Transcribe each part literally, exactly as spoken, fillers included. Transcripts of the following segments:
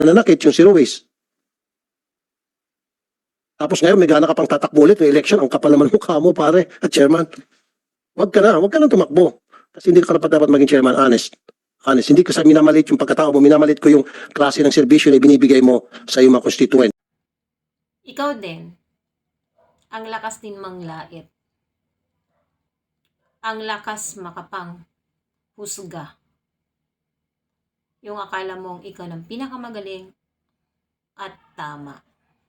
nanakit yung si Ruiz. Tapos ngayon may gana ka pang tatakbo ulit ng election. Ang kapal naman ng mukha mo, pare, at chairman. Huwag ka na, huwag ka na tumakbo. Kasi hindi ka dapat dapat maging chairman, honest. Honest, hindi ko sa minamalit yung pagkatao mo, minamalit ko yung klase ng serbisyo na binibigay mo sa iyong mga constituent. Ikaw din, ang lakas din manglait. Ang lakas makapang husga. Yung akala mong ikaw ng pinakamagaling at tama.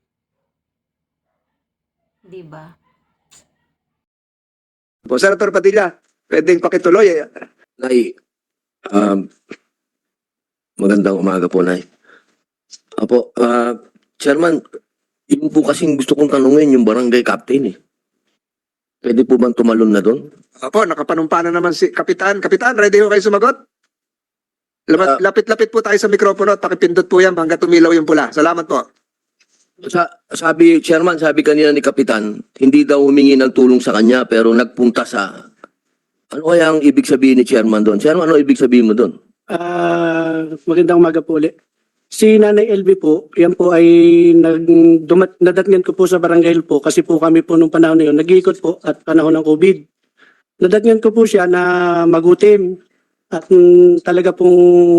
Diba? Po, Senator Padilla, pwedeng pakituloy. Eh. Nay, um, magandang umaga po, Nay. Apo, uh, Chairman, yun po kasing gusto kong tanungin yung barangay captain eh. Pwede po bang tumalon na doon? Apo, nakapanumpa na naman si Kapitan. Kapitan, ready ho kayo sumagot? Lamat- Ah. Lapit-lapit po tayo sa mikropono at pakipindot po yan hanggang tumilaw yung pula. Salamat po. Sa, sabi, Chairman, sabi kanina ni Kapitan, hindi daw humingi ng tulong sa kanya pero nagpunta sa... Ano kaya ang ibig sabihin ni Chairman doon? Chairman, ano ibig sabihin mo doon? Ah, magandang umaga po ulit. Si Nanay L B po, yan po ay nag, dumat, nadatngan ko po sa barangay po kasi po kami po nung panahon na yun, nag-iikot po at panahon ng COVID. Nadatngan ko po siya na magutim at mm, talaga pong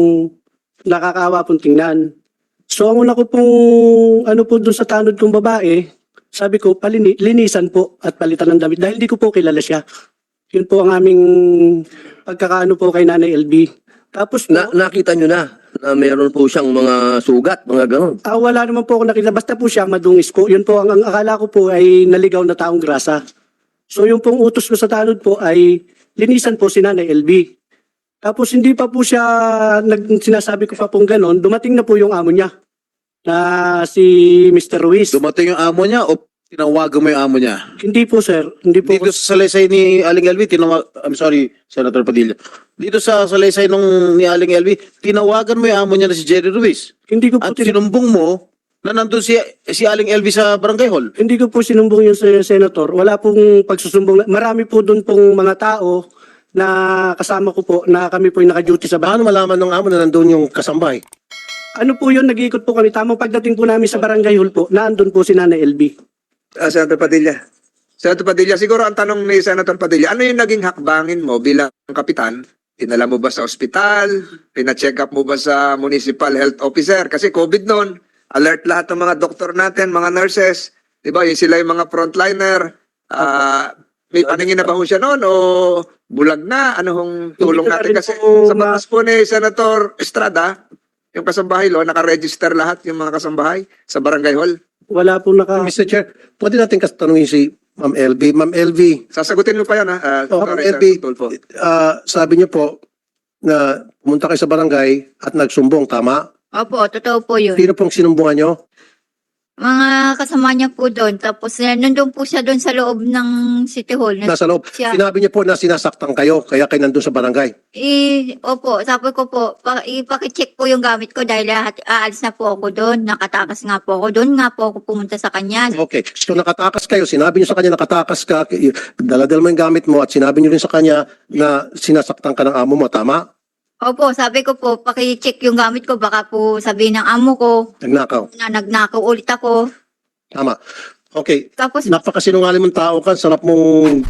nakakaawa pong tingnan. So ang una ko pong ano po doon sa tanod kong babae, sabi ko palini, linisan po at palitan ng damit dahil hindi ko po kilala siya. Yun po ang aming pagkakaano po kay Nanay L B. Tapos po, Na, nakita nyo na na meron po siyang mga sugat, mga ganon. Ah, wala naman po ako nakita. Basta po siya madungis po. Yun po, ang, ang akala ko po ay naligaw na taong grasa. So yung pong utos ko sa tanod po ay linisan po si Nanay L B. Tapos hindi pa po siya, nag, sinasabi ko pa pong ganon, dumating na po yung amo niya na si Mister Ruiz. Dumating yung amo niya o tinawagan mo yung amo niya? Hindi po sir, hindi po. Dito sa salaysay ni Aling L V, tinawag, I'm sorry, Senator Padilla. Dito sa salaysay nung ni Aling L V, tinawagan mo yung amo niya na si Jerry Ruiz. hindi ko po At tin- sinumbong mo na nandun si, si Aling L V sa barangay hall. hindi ko po sinumbong yung sen- senator. Wala pong pagsusumbong. Marami po doon pong mga tao na kasama ko po na kami po yung naka-duty sa bahay. Paano malaman ng amo na nandun yung kasambahay? Ano po yun, nag-iikot po kami. Tamang pagdating po namin sa barangay hall po, naandun po si Nanay L B. Ah, Senator Padilla. Senator Padilla, siguro ang tanong ni Senator Padilla, ano yung naging hakbangin mo bilang kapitan? Dinala mo ba sa ospital? Pina-check up mo ba sa municipal health officer? Kasi COVID noon, alert lahat ng mga doktor natin, mga nurses. Di ba? Yung sila yung mga frontliner. Ah, may paningin na ba ho siya noon o bulag na? Ano hong tulong Hindi ko na natin? rin Kasi po sa ma- batas po ni Senator Estrada, yung kasambahay lo, nakaregister lahat yung mga kasambahay sa barangay hall. Wala po naka... Mister Chair, pwede natin katanungin si Ma'am L B. Ma'am L B, Sasagutin mo pa yan, ha? Ah, Oh, sorry, L Sir B, Tulfo. ah, sabi niyo po na pumunta kayo sa barangay at nagsumbong, tama? Opo, totoo po yun. Sino pong sinumbungan niyo? Mga kasama niya po doon. Tapos eh, nandun po siya doon sa loob ng City Hall. Nasa loob. Siya. Sinabi niyo po na sinasaktan kayo, kaya kayo nandun sa barangay. Eh, opo, sabi ko po, pa, ipakicheck po yung gamit ko dahil lahat, aalis na po ako doon. Nakatakas nga po ako doon. Nga po ako pumunta sa kanya. Okay. So nakatakas kayo, sinabi niyo sa kanya nakatakas ka, daladal mo yung gamit mo at sinabi niyo rin sa kanya na sinasaktan ka ng amo mo, tama? Opo, sabi ko po, pakicheck yung gamit ko. Baka po sabihin ng amo ko Nagnakaw. na nagnakaw ulit ako. Tama. Okay. Tapos, Napakasinungaling mong tao ka, sarap mong...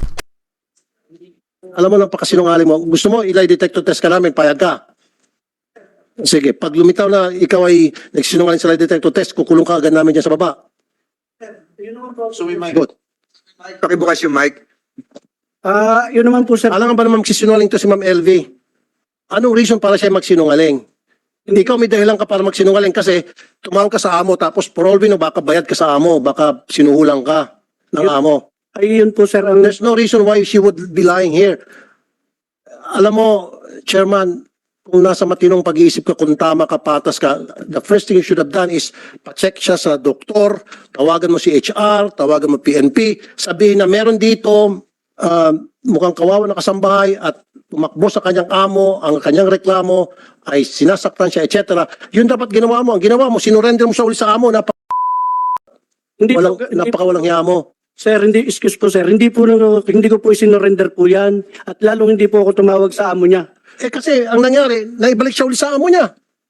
Alam mo, napakasinungaling mo. Gusto mo, ilay detector test ka namin, payag ka. Sige, pag lumitaw na ikaw ay nagsinungaling sa lie detector test, kukulong ka agad namin dyan sa baba. So we might Good. Pakibukas yung mic. Ah, yun naman po sir. Alam nga ba naman magsisinungaling to si Ma'am L V? Anong reason para siya magsinungaling? Hindi ikaw may dahilan ka para magsinungaling kasi tumawag ka sa amo tapos for all we know, baka bayad ka sa amo, baka sinuhulang ka ng amo. Ay, yun po sir. Ang, There's no reason why she would be lying here. Alam mo, Chairman, kung nasa matinong pag-iisip ka, kung tama ka, patas ka, the first thing you should have done is pa-check siya sa doktor, tawagan mo si H R, tawagan mo P N P, sabihin na meron dito, uh, mukhang kawawa na kasambahay at tumakbo sa kanyang amo, ang kanyang reklamo ay sinasaktan siya, et cetera. Yun dapat ginawa mo. Ang ginawa mo, sinurrender mo sa uli sa amo, napaka hindi walang, po, hindi, napakawalang hiya mo. sir, hindi, excuse po sir. Hindi po, hindi ko po isinorender po yan. At lalong hindi po ako tumawag sa amo niya. Eh kasi ang nangyari, naibalik siya uli sa amo niya.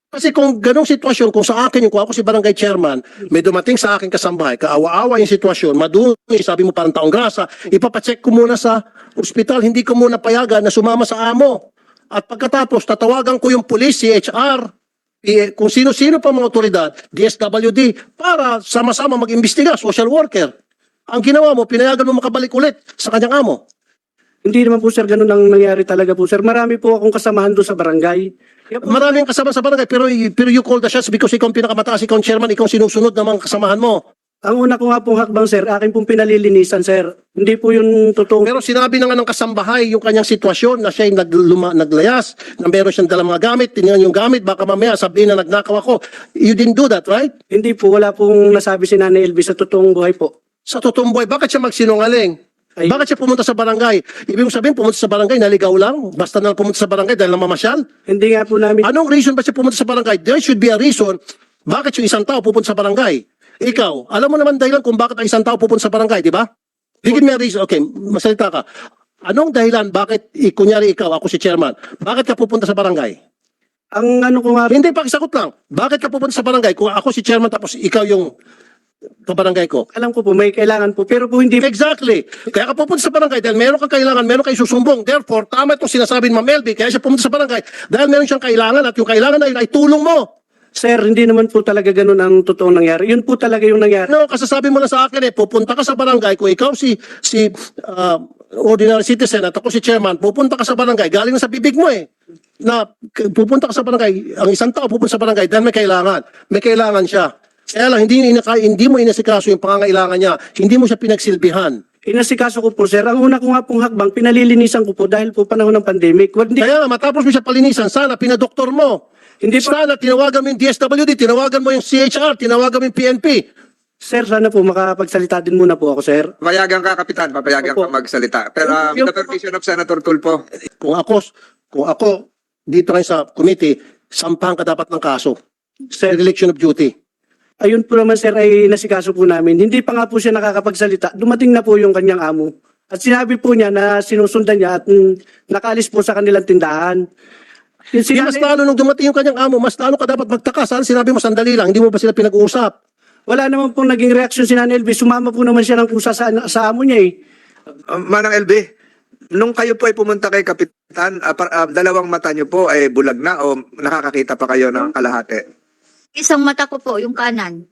Kasi kung ganong sitwasyon, kung sa akin yung kung ako si barangay chairman, may dumating sa akin kasambahay, kaawa-awa yung sitwasyon, madumi, sabi mo parang taong grasa, ipapacheck ko muna sa ospital, hindi ko muna payagan na sumama sa amo. At pagkatapos, tatawagan ko yung police, C H R, eh, kung sino-sino pa mga otoridad, D S W D, para sama-sama mag-imbestiga, social worker. Ang ginawa mo, pinayagan mo makabalik ulit sa kanyang amo. Hindi naman po sir, ganun ang nangyari talaga po sir. Marami po akong kasamahan doon sa barangay. Kaya po, Maraming kasama sa barangay, pero, pero you call the shots because ikaw ang pinakamataas, ikaw ang chairman, ikaw ang sinusunod ng mga kasamahan mo. ang una ko nga pong hakbang sir, akin pong pinalilinisan sir. Hindi po yung totoong... Pero sinabi na nga ng kasambahay yung kanyang sitwasyon na siya yung nagluma, naglayas, na meron siyang dalang mga gamit, tinignan yung gamit, baka mamaya sabihin na nagnakaw ako. You didn't do that, right? Hindi po, wala pong nasabi si Nanay Elby sa totoong buhay po. Sa totoong buhay, bakit siya magsinungaling? Ay- Bakit siya pumunta sa barangay? Ibig sabihin, pumunta sa barangay, naligaw lang? Basta na lang pumunta sa barangay dahil namamasyal? Hindi nga po namin... Anong reason ba siya pumunta sa barangay? There should be a reason bakit yung isang tao pupunta sa barangay. Ikaw, alam mo naman dahilan kung bakit ang isang tao pupunta sa barangay, di ba? Bigyan mo reason. Okay, masalita ka. Anong dahilan bakit, eh, kunyari ikaw, ako si chairman, bakit ka pupunta sa barangay? Ang ano ko nga... Hindi, pakisagot lang. Bakit ka pupunta sa barangay kung ako si chairman tapos ikaw yung kabarangay ko? Alam ko po, may kailangan po. Pero po hindi... Exactly. Kaya ka pupunta sa barangay dahil meron kang kailangan, meron kang susumbong. Therefore, tama itong sinasabi ni Ma'am Elby, kaya siya pumunta sa barangay dahil meron siyang kailangan at yung kailangan na yun ay tulong mo. Sir, hindi naman po talaga ganun ang totoong nangyari. Yun po talaga yung nangyari. No, kasasabi mo na sa akin eh, pupunta ka sa barangay, kung ikaw si si ah, ordinary citizen at ako si chairman, pupunta ka sa barangay, galing na sa bibig mo eh, na k- pupunta ka sa barangay, ang isang tao pupunta sa barangay dahil may kailangan. May kailangan siya. Kaya lang, hindi, inaka, hindi mo inasikaso yung pangangailangan niya, hindi mo siya pinagsilbihan. Inasikaso ko po, sir. Ang una ko nga pong hakbang, pinalilinisan ko po dahil po panahon ng pandemic. Hindi, Kaya nga, matapos mo siya palinisan, sana pinadoktor mo. hindi po, Sana tinawagan mo yung D S W D, tinawagan mo yung C H R, tinawagan mo yung P N P. sir, sana po makapagsalita din muna po ako, sir. Papayagan ka, Kapitan. Papayagan Opo. ka magsalita. Pero um, Yung- the permission of Senator Tulfo. Kung ako, kung ako dito ngayon sa committee, sampahan ka dapat ng kaso. Sir, Dereliction of duty. ayun po naman, sir, ay nasikaso po namin. Hindi pa nga po siya nakakapagsalita. Dumating na po yung kanyang amo. At sinabi po niya na sinusundan niya at mm, nakaalis po sa kanilang tindahan. Yung Di mas sinabi- lalo nung dumating yung kanyang amo, mas lalo ka dapat magtaka. Sana sinabi mo sandali lang, hindi mo ba sila pinag-uusap? Wala naman pong naging reaksyon si Nanay Elby. Sumama po naman siya ng kusa sa, sa amo niya eh. Um, Manang L B, nung kayo po ay pumunta kay Kapitan, ah, par- ah, dalawang mata niyo po ay bulag na o nakakakita pa kayo ng kalahati? Isang mata ko po, yung kanan.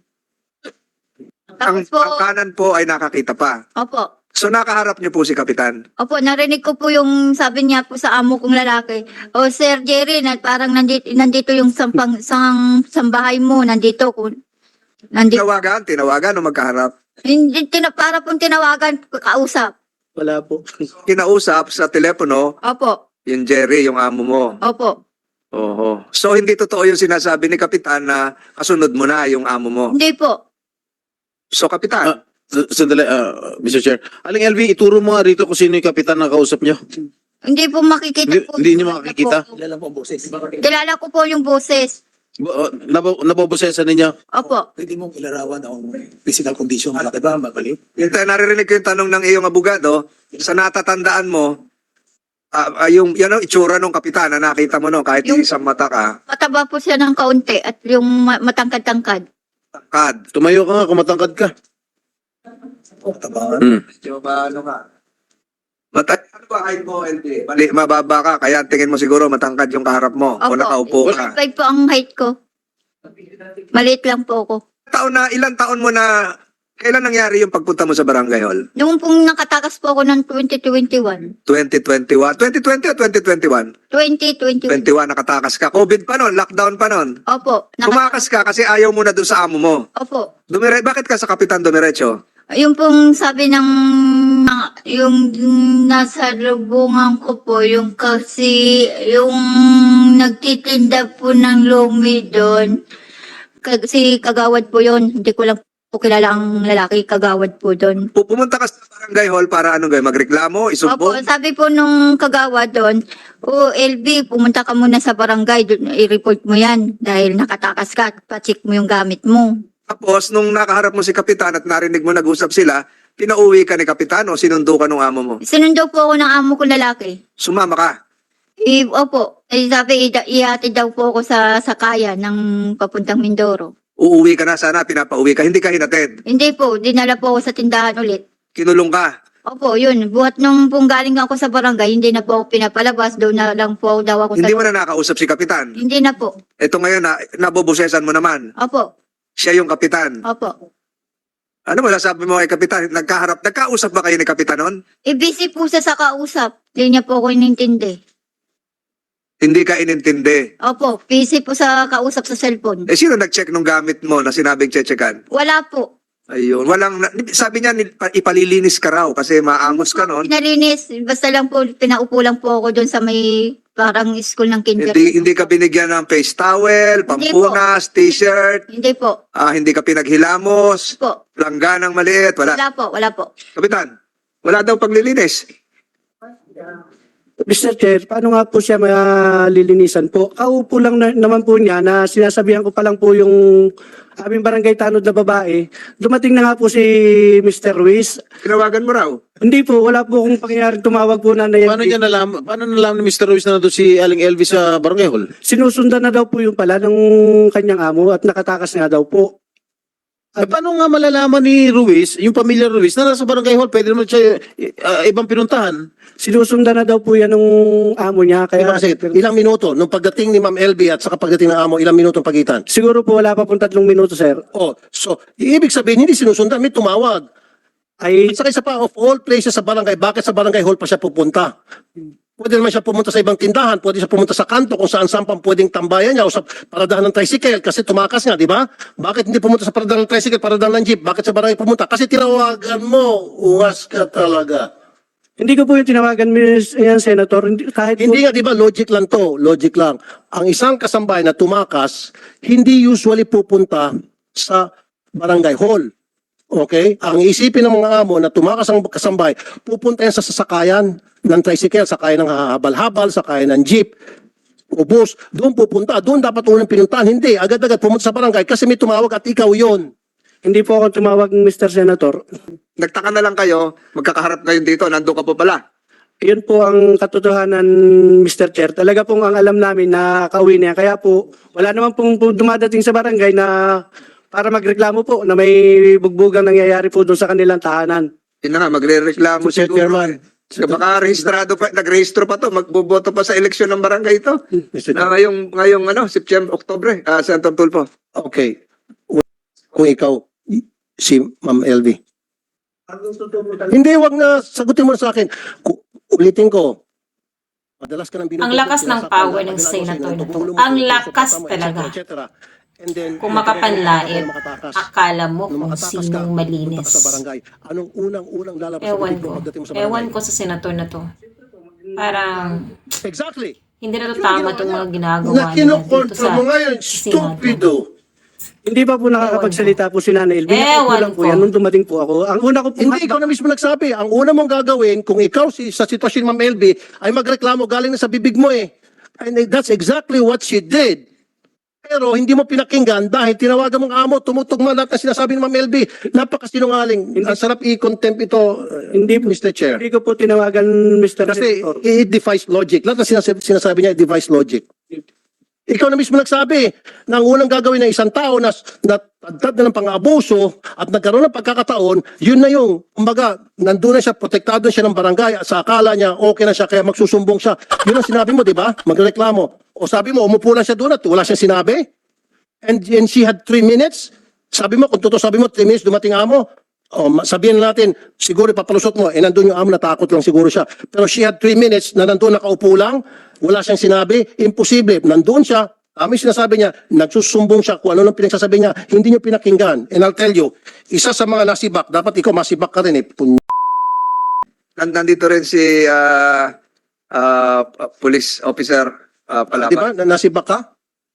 Ang, Tapos po, ang kanan po ay nakakita pa. opo. So nakaharap niyo po si Kapitan. Opo, narinig ko po yung sabi niya po sa amo kong lalaki. O Sir Jerry, na parang nandito, nandito yung sampang, sang, sambahay mo, nandito. Kung, nandito. Tinawagan, tinawagan o magkaharap. Hindi, tina, para pong tinawagan, kausap. Wala po. Kinausap sa telepono, Opo, yung Jerry, yung amo mo. opo. Oho. So hindi totoo yung sinasabi ni Kapitan na kasunod mo na yung amo mo. Hindi po. Ah, So Kapitan, S- Sandali, ah, Mister Chair. Aling L V, ituro mo nga rito kung sino yung kapitan na kausap nyo. Hindi po makikita Hindi- po. hindi niyo makikita? Po. Kilala ko po yung boses. Uh, nabobosesan ninyo. Opo. Pwede mong ilarawan ang physical condition, malaki ba, mabalik? yung ta- naririnig ko yung tanong ng iyong abogado, sa natatandaan mo, ah, ah, yung yan ang itsura ng Kapitan na nakita mo no, kahit Yung- isang mata ka, Mataba po siya ng kaunti at yung ma- matangkad-tangkad. kad. Tumayo ka nga, kumatangkad ka. Tabangan. Hmm. Medyo ba, ano ka? Mata ano ba height mo, L B? Mali, mababa ka, kaya tingin mo siguro matangkad yung kaharap mo o nakaupo ka. five po ang height ko. Maliit lang po ako. Taon na, ilang taon mo na, kailan nangyari yung pagpunta mo sa Barangay Hall? Noong pong nakatakas po ako ng twenty twenty-one. twenty twenty-one? twenty twenty o twenty twenty-one? twenty twenty-one. twenty-one, nakatakas ka. COVID pa nun, lockdown pa nun. Opo. Naka- Tumakas ka kasi ayaw mo na doon sa amo mo. Opo. Dumire, bakit ka sa Kapitan dumiretso? Yung pong sabi ng yung nasa lubungan ko po, yung kasi yung nagtitinda po ng lumi doon. Kasi kagawad po yon. Hindi ko lang po kilala ang lalaki, kagawad po doon. Pu- Pumunta ka sa Barangay Hall para ano gawin, magreklamo, Opo, isumbong? sabi po nung kagawad doon, o L B, pumunta ka muna sa barangay, doon, i-report mo yan dahil nakatakas ka at pa-check mo yung gamit mo. Tapos, nung nakaharap mo si Kapitan at narinig mo nag-usap sila, pinauwi ka ni Kapitan o sinundo ka ng amo mo? Sinundo po ako ng amo ko lalaki. Sumama ka. Eh, opo, eh, sabi, ida- ihatid daw po ako sa sakaya ng papuntang Mindoro. Uuwi ka na sana, pinapauwi ka, hindi ka hinatid. Hindi po, dinala po ako sa tindahan ulit. Kinulong ka. Opo, yun. Buhat nung pong galing ako sa barangay, hindi na po ako pinapalabas. Doon na lang po daw ako sa... Hindi mo na nakausap si Kapitan. Hindi na po. Ito ngayon, na, nabobosesan mo naman. Opo, Siya yung Kapitan. opo. Ano mo sasabi mo kay Kapitan? Nagkaharap, nagkausap ba kayo ni Kapitan noon? Eh, busy po siya sa kausap. Hindi niya po ako inintindi. Hindi ka inintindi. Opo, busy po sa kausap sa cellphone. Eh, sino nag-check nung gamit mo na sinabing chechekan? Wala po. Ayun, walang, sabi niya, nil- pa- ipalilinis ka raw kasi maangos ka noon. Pinalinis, basta lang po, pinaupo lang po ako doon sa may parang school ng kinder. Hindi, hindi ka binigyan ng face towel, pampunas, t-shirt, Hindi po. ah, hindi ka pinaghilamos, Po. langganang maliit, wala. Wala po, wala po. Kapitan, wala daw paglilinis. Mister Chair, paano nga po siya malilinisan po? Kaupo lang na, naman po niya na sinasabihan ko pa lang po yung aming barangay tanod na babae. Dumating na nga po si Mister Ruiz. Tinawagan mo raw. Hindi po, wala po akong pangyayaring tumawag po na na Paano niya nalaman, paano nalaman ni Mister Ruiz na nandun si Aling L V sa Barangay Hall? Sinusundan na daw po yung pala ng kanyang amo at nakatakas nga daw po. Eh, paano nga malalaman ni Ruiz, yung pamilya Ruiz, na nasa Barangay Hall, pwede naman siya uh, ibang pinuntahan? Sinusundan na daw po yan ng amo niya. Kaya, Kaya kasi ilang minuto, nung pagdating ni Ma'am L B at saka pagdating ng amo, ilang minuto ang pagitan? siguro po wala pa pong tatlong minuto, sir. Oh, so, ibig sabihin, hindi sinusundan, may tumawag. Ay, At saka isa pa, of all places sa barangay, bakit sa Barangay Hall pa siya pupunta? Pwede naman siya pumunta sa ibang tindahan, pwede siya pumunta sa kanto kung saan saan pang pwedeng tambayan niya o sa paradahan ng tricycle kasi tumakas nga, di ba? Bakit hindi pumunta sa paradahan ng tricycle, paradahan ng jeep? Bakit sa barangay pumunta? Kasi tinawagan mo, ungas ka talaga. hindi ko po yung tinawagan, Miss yan, Senator. Hindi, kahit Hindi po, nga, di ba, logic lang to, logic lang. Ang isang kasambay na tumakas, hindi usually pupunta sa barangay hall. Okay? Ang isipin ng mga amo na tumakas ang kasambay, pupunta yan sa sasakayan ng tricycle, sakayan ng habal-habal, sakayan ng jeep, o bus, doon pupunta. Doon dapat unang pinuntahan. Hindi, agad-agad pumunta sa barangay kasi may tumawag at ikaw yon. hindi po ako tumawag, Mister Senator. Nagtaka na lang kayo, magkakaharap kayo dito, nandun ka po pala. Yun po ang katotohanan, Mister Chair. Talaga pong ang alam namin na kauwi niya. Kaya po, wala naman pong po dumadating sa barangay na para magreklamo po na may bugbugang nangyayari po doon sa kanilang tahanan. Yun na nga, magre-reklamo Mister siguro. Chairman. Kaya baka rehistrado pa, nagrehistro pa to, magboboto pa sa eleksyon ng barangay ito. Mister Na ngayong, ngayong ano, September, Oktobre, ah, Senator Tulfo. Okay. Kung ikaw, si Ma'am L V. Hindi, wag na sagutin mo na sa akin. Ku- Ulitin ko. Madalas ka nang binubugbog, Ang lakas ng sinasaktan power ka, ng kabila ko senator sa'yo, na to. tumulong mo, Ang tumulong lakas sa papa mo, talaga. et cetera, et cetera. And then, Kung makapanlait, kung makatakas, akala mo nung kung makatakas ka, sinong pupunta malinis. ka sa barangay. Anong unang-unang lalabas sa Ewan bibig mo ko. pagdating mo sa barangay? Ewan ko sa senator na to. Parang Exactly. hindi na to tama itong mga ginagawa Na niya dito kinukontra sa mo ngayon, Senado. stupido. Hindi pa po nakakapagsalita po si Nanay Elvin. Ewan lang po ko. yan nung dumating po ako. Ang una ko po, Hindi, ikaw na mismo nagsabi. Ang una mong gagawin, kung ikaw si, sa sitwasyon ni Ma'am L B, ay magreklamo galing na sa bibig mo eh. And that's exactly what she did. Pero hindi mo pinakinggan dahil tinawagan mong amo, tumutugma lahat na sinasabi ni Ma'am L B. Napakasinungaling. Ang sarap i-contempt ito, uh, Hindi po. Mister Chair. hindi ko po tinawagan, Mister Kasi Senator. it defies logic. Lahat na sinasabi, sinasabi niya, it defies logic. Ikaw na mismo nagsabi na ang unang gagawin ng isang tao na natagtad na ng pang-abuso at nagkaroon ng pagkakataon, yun na yung, kumbaga, nandun na siya, protektado na siya ng barangay at sa akala niya, okay na siya, kaya magsusumbong siya. Yun ang sinabi mo, di ba? Magreklamo. O sabi mo, umupo lang siya doon at wala siyang sinabi. And, and she had three minutes. Sabi mo, kung totoo sabi mo, three minutes, dumating amo. O, ma- sabihin natin, siguro ipapalusot mo, eh nandun yung amo, natakot lang siguro siya. Pero she had three minutes na nandun nakaupo lang, wala siyang sinabi, imposible. Nandun siya, kami sinasabi niya, nagsusumbong siya kung ano nang pinagsasabi niya, hindi niyo pinakinggan. And I'll tell you, isa sa mga nasibak, dapat ikaw masibak ka rin eh. Pun- Nan- Nandito rin si ah, ah, police officer ah, Palapa. Di ba? Na- Nasibak ka?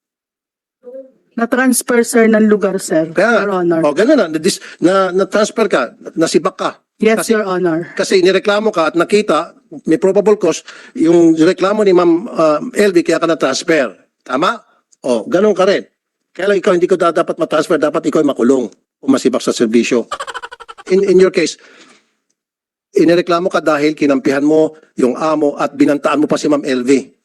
Na-transfer, sir, ng lugar, sir. Kaya, Your Honor. o ganun na, na-dis- na, na-transfer ka, nasibak ka. Yes, kasi- Your Honor. Kasi nireklamo ka at nakita, may probable cause, yung reklamo ni Ma'am uh, L V kaya ka na-transfer. Tama? O, ganun ka rin. Kaya lang ikaw hindi ko da- dapat ma-transfer, dapat ikaw ay makulong o masibak sa serbisyo. In, in your case, inireklamo ka dahil kinampihan mo yung amo at binantaan mo pa si Ma'am L V.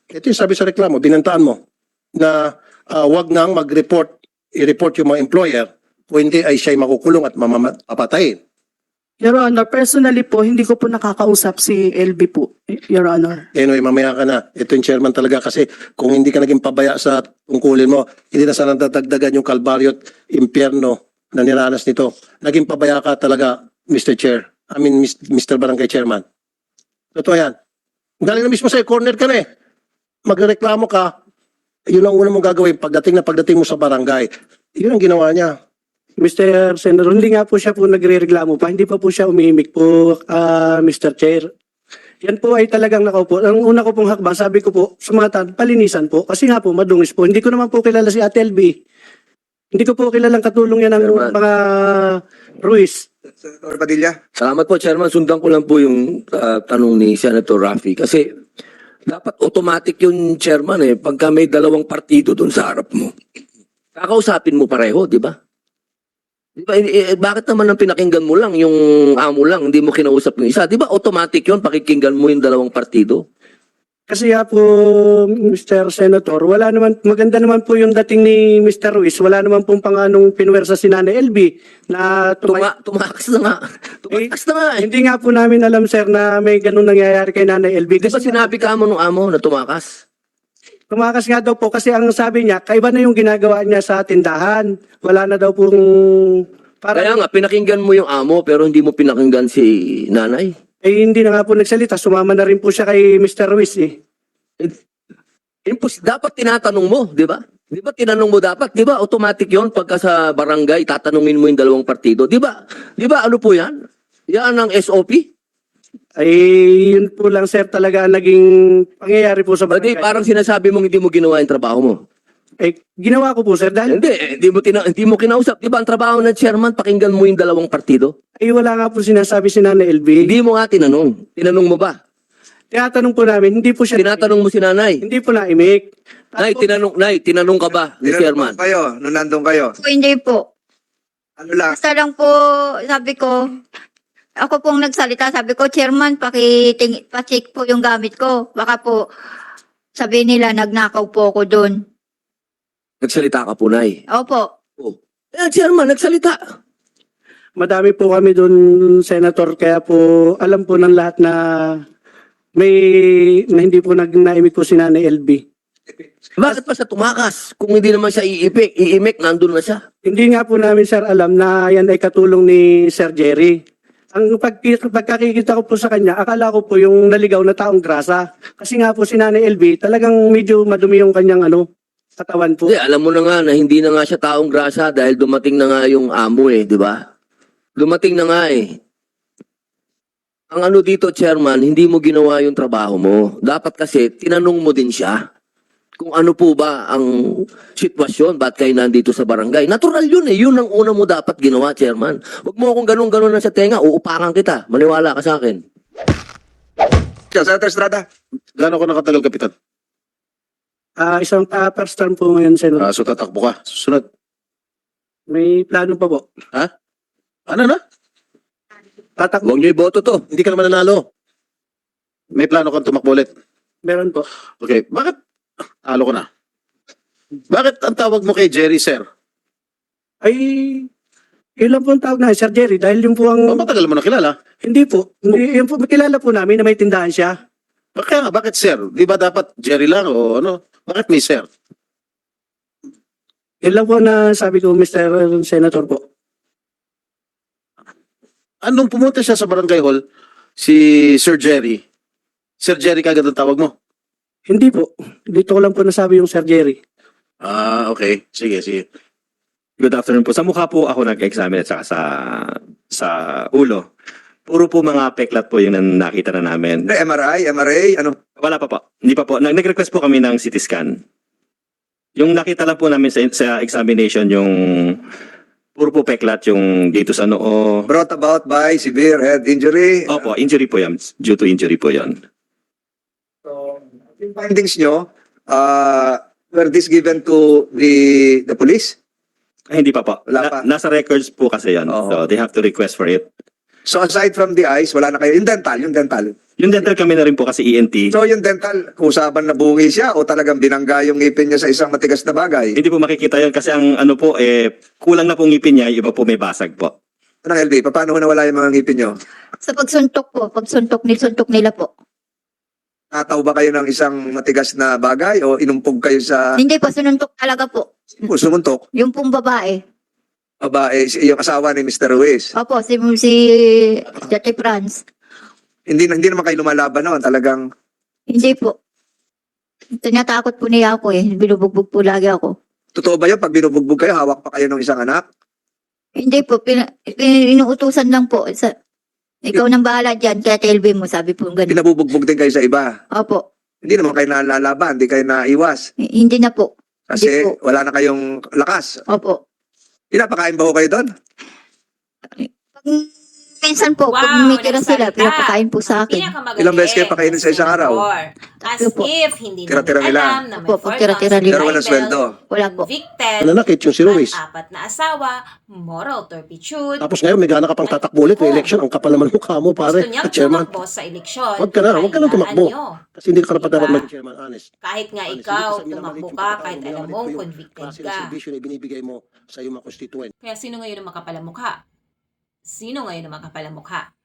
Ito yung sabi sa reklamo, binantaan mo na ah, wag nang mag-report, i-report yung mga employer kung hindi ay siya'y makukulong at mamapatayin. Your Honor, personally po, hindi ko po nakakausap si L B po, Your Honor. Anyway, mamaya ka na. Ito yung chairman talaga kasi kung hindi ka naging pabaya sa tungkulin mo, hindi na sana dadagdagan yung kalbaryo at impyerno na niranas nito. Naging pabaya ka talaga, Mister Chair. I mean, Mister Barangay Chairman. Totoo yan. Galing na mismo sa'yo, corner ka na eh. Magreklamo ka, yun ang una mong gagawin pagdating na pagdating mo sa barangay. Yun ang ginawa niya. Mister Senator, hindi nga po siya po nagre-reklamo pa. Hindi pa po siya umimik po, ah, Mister Chair. Yan po ay talagang nakaupo. Ang una ko pong hakbang, sabi ko po, sa mga tan, palinisan po. Kasi nga po, madungis po. Hindi ko naman po kilala si Ate L B. Hindi ko po kilalang katulong yan ng Chairman. mga Ruiz. Senator Padilla. Salamat po, Chairman. Sundan ko lang po yung ah, tanong ni Senator Raffy. Kasi dapat automatic yung Chairman eh. Pagka may dalawang partido doon sa harap mo, kakausapin mo pareho, di ba? Di ba, eh, eh, bakit naman ang pinakinggan mo lang, yung amo lang, hindi mo kinausap yung isa? Di ba automatic yun, pakikinggan mo yung dalawang partido? Kasi nga po, Mister Senator, wala naman, maganda naman po yung dating ni Mister Ruiz. Wala naman pong panganong pinwersa si Nanay L B na tumay- Tuma tumakas na nga. Tumakas na nga eh. Hindi nga po namin alam, sir, na may ganun nangyayari kay Nanay L B. Di ba Kasi sinabi ka mo nung amo na tumakas? tumakas nga daw po kasi ang sabi niya, kaiba na yung ginagawa niya sa tindahan. Wala na daw pong... Kaya nga, pinakinggan mo yung amo pero hindi mo pinakinggan si nanay. Eh, hindi na nga po nagsalita. Sumama na rin po siya kay Mister Ruiz eh. Impos, dapat tinatanong mo, di ba? Di ba tinanong mo dapat? Di ba automatic yon pagka sa barangay, tatanungin mo yung dalawang partido? Di ba? Di ba ano po yan? Yan ang S O P? Ay, yun po lang, sir, talaga ang naging pangyayari po sa Hindi, barangay. parang sinasabi mong hindi mo ginawa yung trabaho mo. Eh, ginawa ko po, sir, dahil Hindi, eh, hindi mo, tina- hindi mo kinausap. Di ba ang trabaho ng chairman, pakinggan mo yung dalawang partido? ay wala nga po sinasabi si Nanay L B. Hindi mo nga tinanong. Tinanong mo ba? Tinatanong po namin, hindi po siya... Tinatanong mo si nanay. Hindi po naimik. Nay, tinanong, nay, tinanong ka ba ni Tinanong chairman? po kayo, nung nandun kayo. Po, hindi po. Ano lang, Basta lang po, sabi ko, ako pong nagsalita, sabi ko, Chairman, pakiting, pacheck po yung gamit ko. Baka po, sabi nila, nagnakaw po ako doon. Nagsalita ka po, nay. Opo. Oh. Eh, chairman, nagsalita. Madami po kami doon, Senator, kaya po alam po ng lahat na may na hindi po nag naimik po si Nanay L B. Bakit pa siya tumakas? Kung hindi naman siya iipik, iimik, nandun na siya. Hindi nga po namin, sir, alam na yan ay katulong ni Sir Jerry. Ang pag, pagkakikita ko po sa kanya, akala ko po yung naligaw na taong grasa. Kasi nga po si Nanay L B, talagang medyo madumi yung kanyang ano, katawan po. Hindi, alam mo na nga na hindi na nga siya taong grasa dahil dumating na nga yung amo eh, di ba? Dumating na nga eh. Ang ano dito, chairman, hindi mo ginawa yung trabaho mo. Dapat kasi, tinanong mo din siya kung ano po ba ang sitwasyon, ba't kayo nandito sa barangay. Natural yun eh, yun ang una mo dapat ginawa, chairman. Huwag mo akong ganun-ganun na sa tenga, uupakan kita. Maniwala ka sa akin. Senator Estrada. Gano'n ko nakatagal, Kapitan? Ah, isang uh, first term po ngayon, Senator. Ah, so tatakbo ka. Susunod. May plano pa po. Ano na? Tatakbo. Huwag niyo iboto to. Hindi ka naman nanalo. May plano kang tumakbo ulit. Meron po. Okay, bakit? Talo ko na. Bakit ang tawag mo kay Jerry, sir? Ay, yun lang po ang tawag na Sir Jerry. Dahil yun po ang... Oh, matagal mo na kilala. Hindi po. Hindi, yun po, kilala po namin na may tindahan siya. Kaya nga, bakit sir? Di ba dapat Jerry lang o ano? Bakit may sir? Yun lang po na sabi ko, Mister Senator po. Anong pumunta siya sa barangay hall, si Sir Jerry, Sir Jerry kagad ang tawag mo? Hindi po. Dito ko lang po nasabi yung Sir Jerry. Ah, okay. Sige, sige. Good afternoon po. Sa mukha po ako nag-examine at saka sa, sa ulo. Puro po mga peklat po yung nan- nakita na namin. Ano, M R I, M R A, ano? Wala pa po. Hindi pa po. Nag- Nag-request po kami ng C T scan. Yung nakita lang po namin sa, sa examination, yung puro po peklat yung dito sa noo. Brought about by severe head injury. Opo, injury po yan. Due to injury po yan. So, yung findings nyo, uh, were this given to the the police? Ay, hindi pa po. Wala pa. nasa records po kasi yan. Oo. So they have to request for it. So aside from the eyes, wala na kayo. Yung dental, yung dental. Yung dental kami na rin po kasi E N T. So yung dental, usapan na bungi siya o talagang binangga yung ngipin niya sa isang matigas na bagay? Hindi po makikita yun kasi ang ano po, eh, kulang na po ngipin niya, yung iba po may basag po. Anong L B, paano ho nawala yung mga ngipin niyo? Sa pagsuntok po, pagsuntok nisuntok nila po. Nataw ba kayo ng isang matigas na bagay o inumpog kayo sa Hindi po, sununtok talaga po. sumuntok? Yung pong babae. Babae, si- yung asawa ni Mister Ruiz. Opo, si, si Jate Franz. Hindi, hindi naman kayo lumalaban noon, talagang Hindi po. Tinatakot po niya ako eh. Binubugbog po lagi ako. totoo ba yun? Pag binubugbog kayo, hawak pa kayo ng isang anak? Hindi po, pina, pin- inuutusan lang po. Sa, ikaw nang bahala dyan, kaya T L B mo, sabi po ganun. Pinabubugbog din kayo sa iba. Opo, Hindi naman kayo nalalaban, hindi kayo naiwas. h- hindi na po. Kasi Hindi po. wala na kayong lakas. Opo. Pinapakain ba ho kayo doon? Pag, minsan po, pag Wow, may tira sila, nagsalita. pinapakain po sa akin. Pinakamagaling Ilang beses kayo pakainin sa isang araw? As Opo. if hindi Tira-tira namin nila. alam na may Opo, four tira-tira counts nila. Pero walang libel, sweldo. Wala po. Convicted, Nanakit yung si Ruiz. ang apat na asawa, moral turpitude. Tapos ngayon may gana ka pang tatakbo ulit may election. Ang kapal naman mukha mo, pare. Gusto niyang Chairman. tumakbo sa eleksyon. Wag ka na, wag ka na Kailangan tumakbo. niyo. Kasi hindi ka karapat dapat Diba? maging chairman, honest. Kahit nga Honest, ikaw, hindi ko sa- tumakbo minamalit ka, yung kahit pagkatao, alam minamalit mong ko yung convicted klase ng ka. servisyo na ibinibigay mo sa iyong mga constituent. Kaya sino ngayon ang makapalamukha? Sino ngayon ang makapalamukha?